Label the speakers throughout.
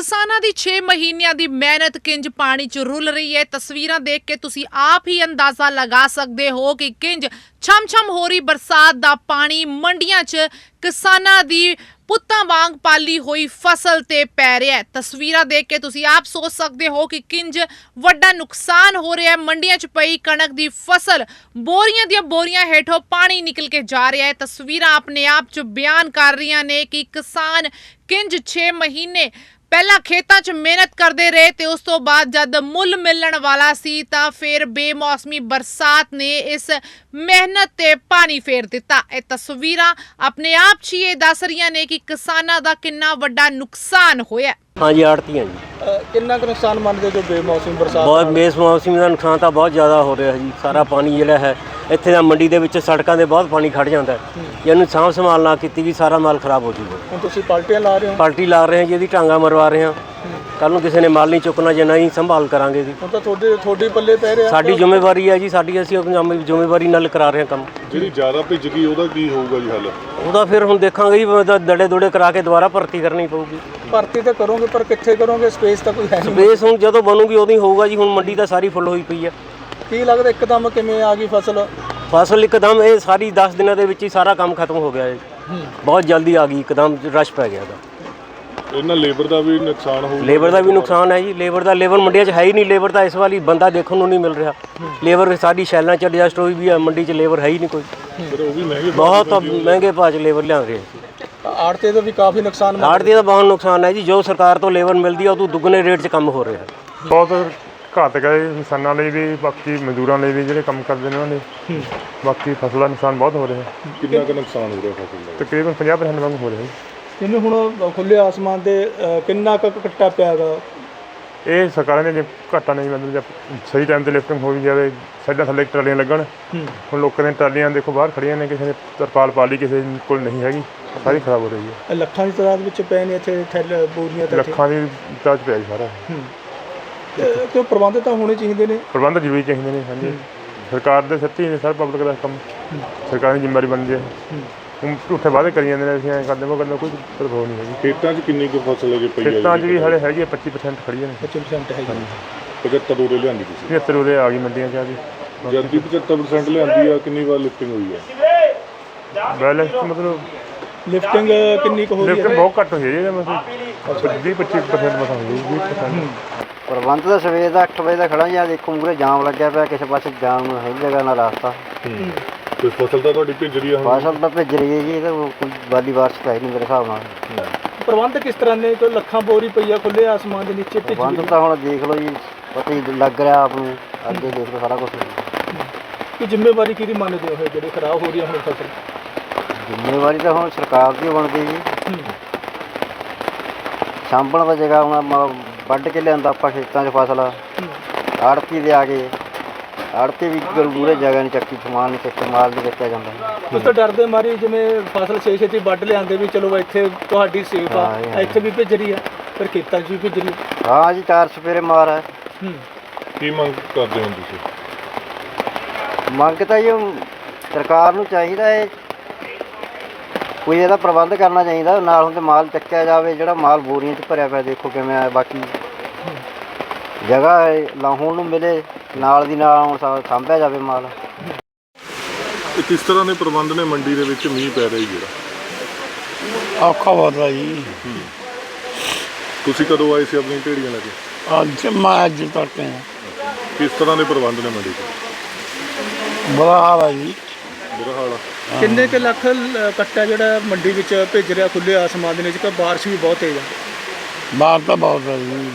Speaker 1: ਕਿਸਾਨਾਂ ਦੀ 6 ਮਹੀਨਿਆਂ ਦੀ ਮਿਹਨਤ ਕਿੰਜ ਪਾਣੀ 'ਚ ਰੁਲ ਰਹੀ ਹੈ। ਤਸਵੀਰਾਂ ਦੇਖ ਕੇ ਤੁਸੀਂ ਆਪ ਹੀ ਅੰਦਾਜ਼ਾ ਲਗਾ ਸਕਦੇ ਹੋ ਕਿ ਕਿੰਜ ਛਮ-ਛਮ ਹੋ ਰਹੀ ਬਰਸਾਤ ਦਾ ਪਾਣੀ ਮੰਡੀਆਂ 'ਚ ਕਿਸਾਨਾਂ ਦੀ ਪੁੱਤਾਂ ਵਾਂਗ ਪਾਲੀ ਹੋਈ ਫਸਲ ਤੇ ਪੈ ਰਿਹਾ ਹੈ। ਤਸਵੀਰਾਂ ਦੇਖ ਕੇ ਤੁਸੀਂ ਆਪ ਸੋਚ ਸਕਦੇ ਹੋ ਕਿ ਕਿੰਜ ਵੱਡਾ ਨੁਕਸਾਨ ਹੋ ਰਿਹਾ ਹੈ। ਮੰਡੀਆਂ 'ਚ ਪਈ ਕਣਕ ਦੀ ਫਸਲ ਬੋਰੀਆਂ ਦੀਆਂ ਬੋਰੀਆਂ ਹੇਠੋਂ ਪਾਣੀ ਨਿਕਲ ਕੇ ਜਾ ਰਿਹਾ ਹੈ। ਤਸਵੀਰਾਂ ਆਪਣੇ ਆਪ 'ਚ ਬਿਆਨ ਕਰ ਰਹੀਆਂ ਨੇ ਕਿ ਕਿਸਾਨ ਕਿੰਜ 6 ਮਹੀਨੇ ਪਹਿਲਾਂ ਖੇਤਾਂ 'ਚ ਮਿਹਨਤ ਕਰਦੇ ਰਹੇ ਤੇ ਉਸ ਤੋਂ ਬਾਅਦ ਜਦ ਮੁੱਲ ਮਿਲਣ ਵਾਲਾ ਸੀ ਤਾਂ ਫਿਰ ਬੇਮੌਸਮੀ ਬਰਸਾਤ ਨੇ ਇਸ ਮਿਹਨਤ ਤੇ ਪਾਣੀ ਫੇਰ ਦਿੱਤਾ। ਇਹ ਤਸਵੀਰਾਂ ਆਪਣੇ ਆਪ 'ਚ ਇਹ ਦੱਸ ਰਹੀਆਂ ਨੇ ਕਿ ਕਿਸਾਨਾਂ ਦਾ ਕਿੰਨਾ ਵੱਡਾ ਨੁਕਸਾਨ ਹੋਇਆ।
Speaker 2: हाँ जी आड़ती हैं जी।
Speaker 3: कितना का नुकसान मानते जो बेमौसमी बरसात
Speaker 2: बहुत बेमौसमी का नुकसान तो बहुत ज़्यादा हो रहा है जी। सारा पानी जिहड़ा है ਇੱਥੇ ਦਾ ਮੰਡੀ ਦੇ ਵਿੱਚ ਸੜਕਾਂ ਦੇ ਬਹੁਤ ਪਾਣੀ ਖੜ ਜਾਂਦਾ ਹੈ। ਇਹਨੂੰ ਸਾਂਭ ਸੰਭਾਲ ਨਾ ਕੀਤੀ ਵੀ ਸਾਰਾ ਮਾਲ ਖਰਾਬ ਹੋ ਜੂਗਾ।
Speaker 3: ਹੁਣ ਤੁਸੀਂ ਪਾਲਟੀਆਂ ਲਾ ਰਹੇ ਹੋ?
Speaker 2: ਪਾਲਟੀ ਲਾ ਰਹੇ ਹਾਂ ਜੀ, ਇਹਦੀ ਟਾਂਗਾ ਮਰਵਾ ਰਹੇ ਹਾਂ। ਕੱਲ ਨੂੰ ਕਿਸੇ ਨੇ ਮਾਲ ਨਹੀਂ ਚੁੱਕਣਾ ਜੇ ਨਹੀਂ ਸੰਭਾਲ ਕਰਾਂਗੇ ਜੀ।
Speaker 3: ਹੁਣ ਤਾਂ ਤੁਹਾਡੇ ਪੱਲੇ ਪੈ ਰਿਹਾ।
Speaker 2: ਸਾਡੀ ਜ਼ਿੰਮੇਵਾਰੀ ਹੈ ਜੀ, ਸਾਡੀ ਅਸੀਂ ਆਪਣੀ ਜ਼ਿੰਮੇਵਾਰੀ ਨਾਲ ਕਰਾ ਰਹੇ ਹਾਂ ਕੰਮ।
Speaker 4: ਜਿਹੜੀ ਜ਼ਿਆਦਾ ਭਿੱਜ ਗਈ ਉਹਦਾ ਕੀ ਹੋਊਗਾ ਜੀ ਹੱਲ?
Speaker 2: ਉਹਦਾ ਫਿਰ ਹੁਣ ਦੇਖਾਂਗੇ ਜੀ, ਦੜੇ ਦੁੜੇ ਕਰਾ ਕੇ ਦੁਬਾਰਾ ਭਰਤੀ ਕਰਨੀ ਪਊਗੀ।
Speaker 3: ਭਰਤੀ ਤਾਂ ਕਰੋਗੇ ਪਰ ਕਿੱਥੇ ਕਰੋਗੇ? ਸਪੇਸ ਤਾਂ ਕੋਈ ਹੈ ਨਹੀਂ।
Speaker 2: ਸਪੇਸ ਹੁਣ ਜਦੋਂ ਬਣੂਗੀ ਉਦੋਂ ਹੀ ਹੋਊਗਾ ਜੀ। ਹੁਣ ਮੰਡੀ ਤਾਂ ਸਾਰੀ ਫੁੱਲ ਹੋਈ ਪਈ ਹੈ।
Speaker 3: ਕੀ ਲੱਗਦਾ ਇੱਕਦਮ ਕਿਵੇਂ ਆ ਗਈ ਫਸਲ?
Speaker 2: ਫਸਲ ਇੱਕਦਮ ਇਹ ਸਾਰੀ 10 ਦਿਨਾਂ ਦੇ ਵਿੱਚ ਹੀ ਸਾਰਾ ਕੰਮ ਖਤਮ ਹੋ ਗਿਆ ਹੈ। ਬਹੁਤ ਜਲਦੀ ਆ ਗਈ, ਇੱਕਦਮ ਰਸ਼ ਪੈ ਗਿਆ ਦਾ।
Speaker 4: ਇਹਨਾਂ ਲੇਬਰ ਦਾ ਵੀ ਨੁਕਸਾਨ ਹੋਊਗਾ?
Speaker 2: ਲੇਬਰ ਦਾ ਵੀ ਨੁਕਸਾਨ ਹੈ ਜੀ। ਲੇਬਰ ਮੰਡੀਆਂ 'ਚ ਹੈ ਹੀ ਨਹੀਂ। ਲੇਬਰ ਤਾਂ ਇਸ ਵਾਲੀ ਬੰਦਾ ਦੇਖਣ ਨੂੰ ਨਹੀਂ ਮਿਲ ਰਿਹਾ। ਲੇਬਰ ਸਾਰੀ ਸ਼ੈਲਾਂ 'ਚ ਐਡਜਸਟ ਹੋਈ ਵੀ ਹੈ, ਮੰਡੀ 'ਚ ਲੇਬਰ ਹੈ ਹੀ ਨਹੀਂ ਕੋਈ।
Speaker 4: ਫਿਰ ਉਹ ਵੀ ਮਹਿੰਗੇ
Speaker 2: ਬਹੁਤ ਮਹਿੰਗੇ ਭਾਅ 'ਚ ਲੇਬਰ ਲਿਆ ਰਹੇ ਸੀ।
Speaker 3: ਆੜਤੇ ਦਾ ਵੀ ਕਾਫੀ ਨੁਕਸਾਨ।
Speaker 2: ਆੜਤੀ ਦਾ ਬਹੁਤ ਨੁਕਸਾਨ ਹੈ ਜੀ। ਜੋ ਸਰਕਾਰ ਤੋਂ ਲੇਬਰ ਮਿਲਦੀ ਹੈ ਉਹ ਤੋਂ ਦੁੱਗਣੇ ਰੇਟ 'ਚ ਕੰਮ ਹੋ ਰਿਹਾ ਹੈ।
Speaker 5: ਬਹੁਤ ਘਾਤਕ ਹੈ ਕਿਸਾਨਾਂ ਲਈ ਵੀ, ਬਾਕੀ ਮਜ਼ਦੂਰਾਂ ਲਈ ਵੀ ਜਿਹੜੇ ਕੰਮ ਕਰਦੇ ਨੇ ਉਹਨਾਂ ਲਈ। ਬਾਕੀ ਫਸਲ ਦਾ ਨੁਕਸਾਨ ਬਹੁਤ ਹੋ ਰਿਹਾ ਹੈ।
Speaker 4: ਕਿੰਨਾ ਕੁ ਨੁਕਸਾਨ ਹੋ ਰਿਹਾ ਫਸਲ ਦਾ?
Speaker 5: ਤਕਰੀਬਨ 50% ਵਾਂਗ ਹੋ ਰਿਹਾ ਹੈ।
Speaker 3: ਜਿਵੇਂ ਹੁਣ ਖੁੱਲੇ ਆਸਮਾਨ ਤੇ ਕਿੰਨਾ ਕੁ ਕੱਟਾ ਪਿਆਗਾ?
Speaker 5: ਇਹ ਸਰਕਾਰਾਂ ਨੇ ਜੇ ਘਾਟਾ ਨਹੀਂ ਮਤਲਬ ਜੇ ਸਹੀ ਟਾਈਮ ਤੇ ਲਿਫਟਿੰਗ ਹੋ ਜਾਵੇ, ਸਾਡਾ ਥੱਲੇ ਟਰਾਲੀਆਂ ਲੱਗਣ। ਹੁਣ ਲੋਕਾਂ ਦੀਆਂ ਟਰਾਲੀਆਂ ਦੇਖੋ ਬਾਹਰ ਖੜੀਆਂ ਨੇ, ਕਿਸੇ ਨੇ ਤਰਪਾਲ ਪਾ ਲਈ, ਕਿਸੇ ਕੋਲ ਨਹੀਂ ਹੈਗੀ, ਸਾਰੀ ਖਰਾਬ ਹੋ ਰਹੀ ਹੈ।
Speaker 3: ਲੱਖਾਂ ਦੀ ਤਾਦਾਦ ਵਿੱਚ ਪਏ ਨੇ ਇੱਥੇ ਥੈਲੇ ਬੋਰੀਆਂ ਤਾਂ।
Speaker 5: ਲੱਖਾਂ ਦੀ ਤਾਜ ਪਿਆ ਜੀ ਸਾਰਾ।
Speaker 3: ਤੇ ਪ੍ਰਬੰਧ ਤਾਂ ਹੋਣੇ ਚਾਹੀਦੇ ਨੇ।
Speaker 5: ਪ੍ਰਬੰਧ ਜ਼ਰੂਰੀ ਚਾਹੀਦੇ ਨੇ। ਹਾਂਜੀ, ਸਰਕਾਰ ਦੇ ਸੱਚੀ ਨੇ, ਸਰ ਪਬਲਿਕ ਦਾ ਕੰਮ ਸਰਕਾਰ ਦੀ ਜ਼ਿੰਮੇਵਾਰੀ ਬਣਦੀ ਹੈ। ਹੁਣ ਝੂਠੇ ਵਾਅਦੇ ਕਰੀ ਜਾਂਦੇ ਨੇ, ਅਸੀਂ ਐਂ ਕਰਦੇ ਉਹ ਕਰਨਾ, ਕੋਈ ਪ੍ਰਭਾਵ ਨਹੀਂ ਹੈਗੀ।
Speaker 4: ਖੇਤਾਂ 'ਚ ਕਿੰਨੀ ਕੁ ਫਸਲ ਅਜੇ ਪਈ ਹੈ?
Speaker 5: ਖੇਤਾਂ 'ਚ ਵੀ ਹਾਲੇ ਹੈਗੀ ਹੈ 25% ਖੜੀਆਂ ਨੇ।
Speaker 3: 25% ਹੈਗੀ।
Speaker 4: 75 ਉਰੇ ਲਿਆਂਦੀ ਤੁਸੀਂ?
Speaker 5: 75 ਉਰੇ ਆ ਗਈ ਮੰਡੀਆਂ 'ਚ ਆ ਗਈ।
Speaker 4: ਜਦ ਦੀ 75% ਲਿਆਂਦੀ ਆ, ਕਿੰਨੀ ਵਾਰ ਲਿਫਟਿੰਗ ਹੋਈ ਹੈ?
Speaker 5: ਬੈਲੈਂਸ ਮਤਲਬ
Speaker 3: ਲਿਫਟਿੰਗ ਕਿੰਨੀ ਕੁ ਹੋ ਰਹੀ ਹੈ?
Speaker 5: ਲਿਫਟਿੰਗ ਬਹੁਤ ਘੱਟ ਹੋਈ ਹੈ ਜੀ। ਮਤਲਬ 20-25% ਮਸਾਂ ਹੋਈ 20%।
Speaker 6: ਪ੍ਰਬੰਧ ਤਾਂ ਸਵੇਰ ਦਾ 8 ਵਜੇ ਦਾ ਖੜਾ ਜਾਂ ਦੇਖੋ ਮੂਹਰੇ ਜਾਮ ਲੱਗਿਆ ਪਿਆ, ਕਿਸੇ ਪਾਸੇ ਜਾਮ ਨੂੰ ਹੈ ਜਗ੍ਹਾ ਨਾ ਰਸਤਾ।
Speaker 4: ਕੋਈ ਫਸਲ ਤਾਂ ਤੁਹਾਡੀ ਭਿੱਜ ਰਹੀ ਆ?
Speaker 6: ਫਸਲ ਤਾਂ ਭਿੱਜ ਰਹੀ ਹੈ ਜੀ। ਇਹ ਤਾਂ ਕੋਈ ਵਾਲੀ ਬਾਰਿਸ਼ ਤਾਂ ਹੈ ਨਹੀਂ ਮੇਰੇ ਹਿਸਾਬ ਨਾਲ।
Speaker 3: ਪ੍ਰਬੰਧ ਕਿਸ ਤਰ੍ਹਾਂ ਨੇ? ਕੋਈ ਲੱਖਾਂ ਬੋਰੀ ਪਈ ਆ ਖੁੱਲੇ ਆਸਮਾਨ ਦੇ ਨੀਚੇ ਭਿੱਜ
Speaker 6: ਪ੍ਰਬੰਧ
Speaker 3: ਗਈ।
Speaker 6: ਤਾਂ ਹੁਣ ਦੇਖ ਲਓ ਜੀ, ਪਤਾ ਹੀ ਲੱਗ ਰਿਹਾ ਆਪ ਨੂੰ। ਅੱਗੇ ਦੇਖ ਲਓ ਸਾਰਾ ਕੁਛ।
Speaker 3: ਕਿ ਜ਼ਿੰਮੇਵਾਰੀ ਕਿਹਦੀ ਮੰਨਦੇ ਹੋ ਜਿਹੜੀ ਖਰਾਬ ਹੋ ਰਹੀ ਹੈ ਹੁਣ ਫਸਲ?
Speaker 6: ਜ਼ਿੰਮੇਵਾਰੀ ਤਾਂ ਹੁਣ ਸਰਕਾਰ ਦੀ ਬਣਦੀ ਜੀ। ਸਾਂਭਣ ਦਾ ਜਗ੍ਹਾ ਹੁਣ ਵੱਢ ਕੇ ਲਿਆਂਦਾ ਆਪਾਂ ਖੇਤਾਂ 'ਚ ਫਸਲ, ਆੜਤੀ ਦੇ ਆ ਗਏ। ਆੜਤੀ ਵੀ ਮੂਹਰੇ ਜਗ੍ਹਾ ਨਹੀਂ ਚੱਕੀ, ਸਮਾਨ ਨਹੀਂ ਚੱਕਿਆ, ਮਾਲ ਨਹੀਂ ਚੱਕਿਆ ਜਾਂਦਾ।
Speaker 3: ਉਸ ਤੋਂ ਡਰਦੇ ਮਾਰੀ ਜਿਵੇਂ ਫਸਲ ਛੇਤੀ ਵੱਢ ਲਿਆਂਦੇ ਵੀ ਚਲੋ ਇੱਥੇ ਤੁਹਾਡੀ ਸੇਫ ਆ, ਇੱਥੇ ਵੀ ਭਿੱਜ ਰਹੀ ਆ, ਫਿਰ ਖੇਤਾਂ 'ਚ ਵੀ ਭਿੱਜ ਰਹੀ।
Speaker 6: ਹਾਂ ਜੀ, 4 ਸਪੇਰੇ ਮਾਰ ਹੈ।
Speaker 4: ਕੀ ਮੰਗ ਕਰਦੇ ਹੋ ਤੁਸੀਂ?
Speaker 6: ਮੰਗ ਤਾਂ ਜੀ ਸਰਕਾਰ ਨੂੰ ਚਾਹੀਦਾ ਹੈ ਕੋਈ ਇਹਦਾ ਪ੍ਰਬੰਧ ਕਰਨਾ ਚਾਹੀਦਾ। ਨਾਲ ਹੁੰਦੇ ਮਾਲ ਚੱਕਿਆ ਜਾਵੇ, ਜਿਹੜਾ ਮਾਲ ਬੋਰੀਆਂ 'ਚ ਭਰਿਆ ਪਿਆ ਦੇਖੋ ਕਿਵੇਂ ਆ। ਬਾਕੀ ਜਗ੍ਹਾ ਲਾਹੌਣ ਨੂੰ ਮਿਲੇ, ਨਾਲ ਦੀ ਨਾਲ ਹੁਣ ਸਾਂਭਿਆ ਜਾਵੇ ਮਾਲ।
Speaker 4: ਇਹ ਕਿਸ ਤਰ੍ਹਾਂ ਦੇ ਪ੍ਰਬੰਧ ਨੇ ਮੰਡੀ ਦੇ ਵਿੱਚ ਮੀਂਹ ਪੈ ਰਿਹਾ ਜਿਹੜਾ?
Speaker 7: ਔਖਾ ਬਹੁਤ ਆ ਜੀ।
Speaker 4: ਤੁਸੀਂ ਕਦੋਂ ਆਏ ਸੀ ਆਪਣੀ ਢੇੜੀਆਂ ਲੈ ਕੇ?
Speaker 7: ਅੱਜ ਤੱਕ
Speaker 4: ਕਿਸ ਤਰ੍ਹਾਂ ਦੇ ਪ੍ਰਬੰਧ ਨੇ ਮੰਡੀ 'ਚ?
Speaker 7: ਬੁਰਾ ਹਾਲ ਆ ਜੀ।
Speaker 4: ਬੁਰਾ ਹਾਲ ਆ।
Speaker 3: ਕਿੰਨੇ ਕੁ ਲੱਖ ਕੱਟਾ ਜਿਹੜਾ ਮੰਡੀ ਵਿੱਚ ਭਿੱਜ ਰਿਹਾ ਖੁੱਲੇ ਆਸਮਾਨ ਦੇ ਵਿੱਚ? ਕਿ ਬਾਰਿਸ਼ ਵੀ ਬਹੁਤ ਤੇਜ਼ ਆ।
Speaker 7: ਬਾਹਰ ਤਾਂ ਬਹੁਤ ਆ ਜੀ।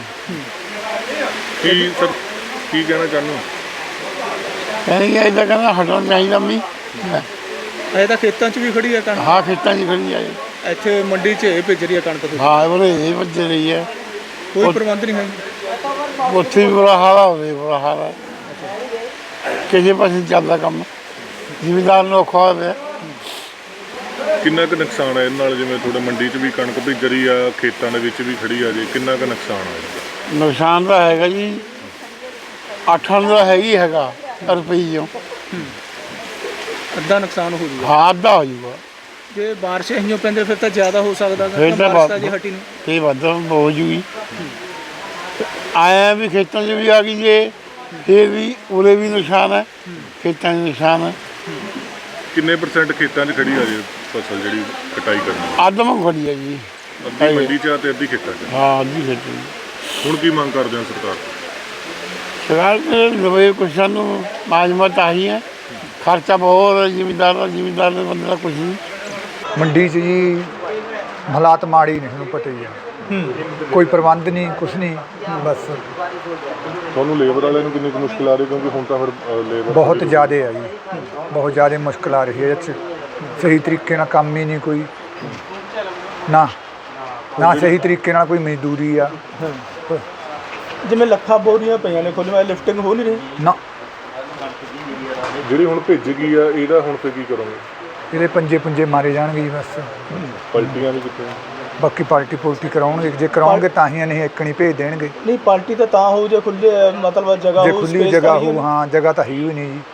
Speaker 4: ਕੀ ਸਰ ਕੀ ਕਹਿਣਾ ਚਾਹੁੰਦੇ ਹੋ?
Speaker 7: ਕਹਿੰਦੇ ਇੱਦਾਂ ਕਹਿੰਦਾ ਹਟਣਾ ਚਾਹੀਦਾ ਮੀਂਹ।
Speaker 3: ਅਜੇ ਤਾਂ ਖੇਤਾਂ 'ਚ ਵੀ ਖੜੀ ਆ ਕਣਕ।
Speaker 7: ਹਾਂ, ਖੇਤਾਂ 'ਚ ਖੜੀ ਆ ਜੀ।
Speaker 3: ਇੱਥੇ ਮੰਡੀ 'ਚ ਇਹ ਭਿੱਜ ਰਹੀ ਆ ਕਣਕ।
Speaker 7: ਹਾਂ, ਉਹਨੇ ਇਹ ਵੱਜ ਰਹੀ ਹੈ।
Speaker 3: ਕੋਈ ਪ੍ਰਬੰਧ ਨਹੀਂ ਹੈ।
Speaker 7: ਉੱਥੇ ਵੀ ਬੁਰਾ ਹਾਲ ਆ, ਹੋਵੇ ਬੁਰਾ ਹਾਲ ਆ। ਕਿਸੇ ਪਾਸੇ ਚੱਲਦਾ ਕੰਮ, ਜ਼ਿਮੀਂਦਾਰ ਨੂੰ ਔਖਾ ਹੋਇਆ ਪਿਆ।
Speaker 4: ਕਿੰਨਾ ਕੁ ਨੁਕਸਾਨ ਹੈ ਇਹਨਾਂ ਨਾਲ? ਜਿਵੇਂ ਤੁਹਾਡੇ ਮੰਡੀ 'ਚ ਵੀ ਕਣਕ ਭਿੱਜ ਰਹੀ ਆ, ਖੇਤਾਂ ਦੇ ਵਿੱਚ ਵੀ ਖੜੀ ਆ, ਜੇ ਕਿੰਨਾ ਕੁ ਨੁਕਸਾਨ ਆ?
Speaker 7: ਨੁਕਸਾਨ ਤਾਂ ਹੈਗਾ ਜੀ, 8 ਦਾ ਹੈਗੀ ਹੈਗਾ ਰੁਪਈਓ।
Speaker 3: ਅੱਧਾ ਨੁਕਸਾਨ ਹੋ ਜੂਗਾ।
Speaker 7: ਹਾਂ, ਅੱਧਾ ਹੋ ਜੂਗਾ।
Speaker 3: ਜੇ ਬਾਰਿਸ਼ ਇਹੀਓ ਪੈਂਦੇ ਫਿਰ ਤਾਂ ਜ਼ਿਆਦਾ ਹੋ ਸਕਦਾ।
Speaker 7: ਫਿਰ ਤਾਂ
Speaker 3: ਬਾਰਿਸ਼ ਤਾਂ ਜੇ ਹਟੀ ਨਹੀਂ
Speaker 7: ਤੇ ਵੱਧ ਹੋ ਜੂਗੀ। ਆਇਆ ਵੀ ਖੇਤਾਂ 'ਚ ਵੀ ਆ ਗਈ ਜੇ, ਫਿਰ ਵੀ ਉਰੇ ਵੀ ਨਿਸ਼ਾਨ ਹੈ, ਖੇਤਾਂ 'ਚ ਨਿਸ਼ਾਨ ਹੈ।
Speaker 4: ਕਿੰਨੇ % ਖੇਤਾਂ 'ਚ ਖੜੀ ਆ ਜੇ ਫਸਲ ਜਿਹੜੀ ਕਟਾਈ ਕਰਨੀ?
Speaker 7: ਆਦਮ ਖੜੀ ਹੈ ਜੀ।
Speaker 4: ਅੱਧੀ ਮੰਡੀ 'ਚ ਆ ਤੇ ਅੱਧੀ ਖੇਤਾਂ 'ਚ।
Speaker 7: ਹਾਂ ਅੱਧੀ ਖੇਤੀ।
Speaker 4: ਹੁਣ ਕੀ ਮੰਗ ਕਰਦੇ ਹੋ ਸਰਕਾਰ ਤੋਂ?
Speaker 7: ਸਰਕਾਰ ਦੇ ਲਵੇ ਕੁਛ ਸਾਨੂੰ ਮਾਜਮਤ ਆਹੀ ਹੈ, ਖਰਚਾ ਬਹੁਤ ਹੈ ਜ਼ਿਮੀਂਦਾਰ ਦੇ ਬੰਦੇ ਦਾ ਕੁਛ ਨਹੀਂ।
Speaker 8: ਮੰਡੀ 'ਚ ਜੀ ਹਾਲਾਤ ਮਾੜੇ ਹੀ ਨੇ, ਤੁਹਾਨੂੰ ਪਤਾ ਹੀ ਹੈ। ਕੋਈ ਪ੍ਰਬੰਧ ਨਹੀਂ, ਕੁਛ ਨਹੀਂ, ਬਸ
Speaker 4: ਤੁਹਾਨੂੰ ਲੇਬਰ ਵਾਲਿਆਂ ਨੂੰ ਕਿੰਨੀ ਕੁ ਮੁਸ਼ਕਿਲ ਆ ਰਹੀ, ਕਿਉਂਕਿ ਹੁਣ ਤਾਂ ਫਿਰ ਲੇਬਰ
Speaker 8: ਬਹੁਤ ਜ਼ਿਆਦਾ ਹੈ ਜੀ, ਬਹੁਤ ਜ਼ਿਆਦਾ ਮੁਸ਼ਕਿਲ ਆ ਰਹੀ ਹੈ। ਇਹ 'ਚ ਸਹੀ ਤਰੀਕੇ ਨਾਲ ਕੰਮ ਹੀ ਨਹੀਂ ਕੋਈ, ਨਾ ਸਹੀ ਤਰੀਕੇ ਨਾਲ ਕੋਈ ਮਜ਼ਦੂਰੀ ਆ
Speaker 3: ਜਿਵੇਂ ਲੱਖਾਂ ਬੋਰੀਆਂ ਪਈਆਂ ਨੇ ਖੁੱਲ੍ਹ ਲਿਫਟਿੰਗ ਹੋ ਨਹੀਂ ਰਹੀ
Speaker 8: ਨਾ।
Speaker 4: ਜਿਹੜੀ ਹੁਣ ਭਿੱਜ ਗਈ ਆ, ਇਹਦਾ ਹੁਣ ਫਿਰ ਕੀ ਕਰੋਗੇ?
Speaker 8: ਇਹਦੇ ਪੰਜੇ ਮਾਰੇ ਜਾਣਗੇ ਜੀ ਬਸ।
Speaker 4: ਪਲਟੀਆਂ ਵੀ ਕਿੱਥੇ?
Speaker 8: ਬਾਕੀ ਪਾਰਟੀ ਪੁਲਟੀ ਕਰਾਉਣਗੇ, ਜੇ ਕਰਾਉਣਗੇ ਤਾਂ ਹੀ ਨਹੀਂ ਇੱਕਣੀ ਭੇਜ ਦੇਣਗੇ।
Speaker 3: ਨਹੀਂ ਪਾਰਟੀ ਤਾਂ ਹੋ ਜੇ ਖੁੱਲੇ ਮਤਲਬ ਜਗ੍ਹਾ
Speaker 8: ਜੇ
Speaker 3: ਹੋ,
Speaker 8: ਖੁੱਲੀ
Speaker 3: space
Speaker 8: ਜਗ੍ਹਾ
Speaker 3: ਤਾਂ ਹੀ
Speaker 8: ਹੋ, ਹਾਂ ਜਗ੍ਹਾ ਤਾਂ ਹੈ ਹੀ ਨਹੀਂ ਜੀ।